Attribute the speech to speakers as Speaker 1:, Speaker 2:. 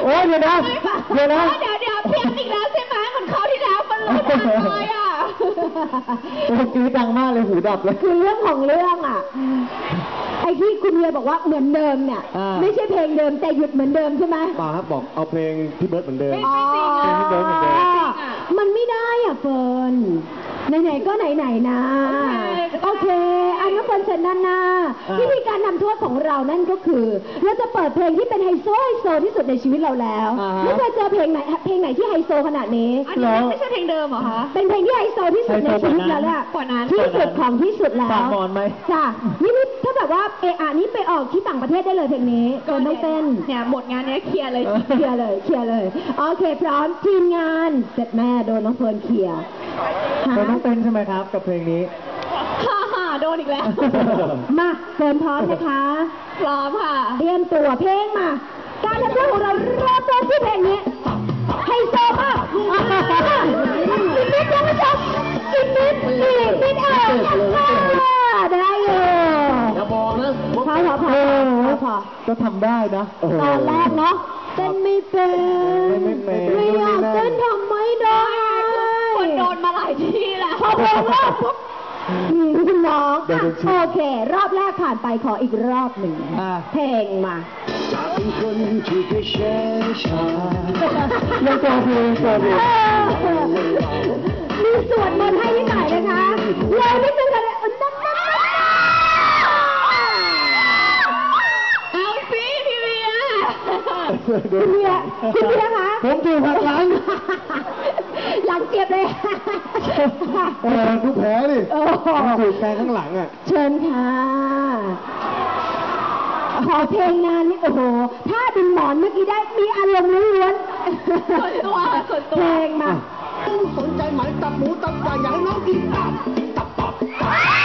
Speaker 1: อ้เดี๋ยวนะเดี๋ยว
Speaker 2: เพี้ยนอีกแล้วใช่ไหมเหมือนเขาที่แล้วมันรู้ทันเลยอ่ะ
Speaker 1: เมื่อกี้ดังมากเลยหูดับเลย
Speaker 3: คือเรื่องของเรื่องอ่ะไอ้ที่คุณเวียบอกว่าเหมือนเดิมเนี่ยไม่ใช่เพลงเดิมแต่หยุดเหมือนเดิมใช่ไหม
Speaker 1: ป่าครับบอกเอาเพลงพี่เบิร์ดเหมือนเดิม
Speaker 2: ไม่จริงอ่ะ
Speaker 1: พี่เบิร์ดเหมือนเดิม
Speaker 3: มันไม่ได้อ่ะเฟิร์นไหนๆก็ไหนๆนะโอเคอันนั้นเฟิร์นเชิญด้านหน้าวิธีการนำโทษของเรานั่นก็คือเราจะเปิดเพลงที่เป็นไฮโซที่สุดในชีวิตเราแล้วไม่เคยเจอเพลงไหนที่ไฮโซขนาดนี้
Speaker 2: อันนี้ไม่ใช่เพลงเดิมเหรอคะ
Speaker 3: เป็นเพลงที่ไฮโซที่สุดในชีวิตเราแล้ว
Speaker 2: กว่านั้น
Speaker 3: ที่สุดของที่สุดแล้ว
Speaker 1: ปากมอนไหม
Speaker 3: จ้ะนี่ถ้าแบบว่านี่ไปออกที่ต่างประเทศได้เลยเพลงนี้ก็ไม่เป็น
Speaker 2: เนี่ยหมดงานนี้เคลียร์เลย
Speaker 3: โอเคพร้อมทีมงานเสร็จแม่โดนน้องเฟิร์นเคลียร์
Speaker 1: เฟิร์นต้องเต้นใช่ไหมครับกับเพลงนี้
Speaker 2: ฮ่าโดนอีกแล้ว
Speaker 3: มาเฟิร์นพร้อมนะคะ
Speaker 2: พร้อมค่ะ
Speaker 3: เตรียมตัวเพลงมาการทำเพลงของเราเริ่มต้นที่เพลงนี้ไฮโซมากอีกนิดยังไม่จบอีกนิดได้อยู่
Speaker 1: อย่าบอกนะ
Speaker 3: พอ
Speaker 1: ก็ทำได้นะ
Speaker 3: ตอนแรกเนาะเต้นไม่เป็นไม่อยากเต้นทำไม่ได้
Speaker 2: คนโดนมาหลายที่แล้ว
Speaker 3: พอเพลงแรกปุ๊บคุณน้องโอเครอบแรกผ่านไปขออีกรอบหนึ่งเพลงมา
Speaker 1: เป็นคนที่ไม่เชื่อชายังโซฟี
Speaker 3: มีสวดมนต์ให้นิดหน่อยนะคะเลยนิดนึงค่ะ
Speaker 2: เอาสิพี่เวีย
Speaker 3: คุณเวียคะ
Speaker 1: ผมถูกหักหลัง
Speaker 3: หลังเจ็บเลย
Speaker 1: ทุกแผลดิถูกแทงข้างหลังอ่ะ
Speaker 3: เชิญค่ะขอเพลงงานนี่โอ้โหถ้าดึงหมอนเมื่อกี้ได้มีอารมณ์ล้วน
Speaker 2: ส่วนตัว
Speaker 3: เพลงมา
Speaker 1: สนใจไหมตับหมูตับไก่อยากให้น้องกินตับ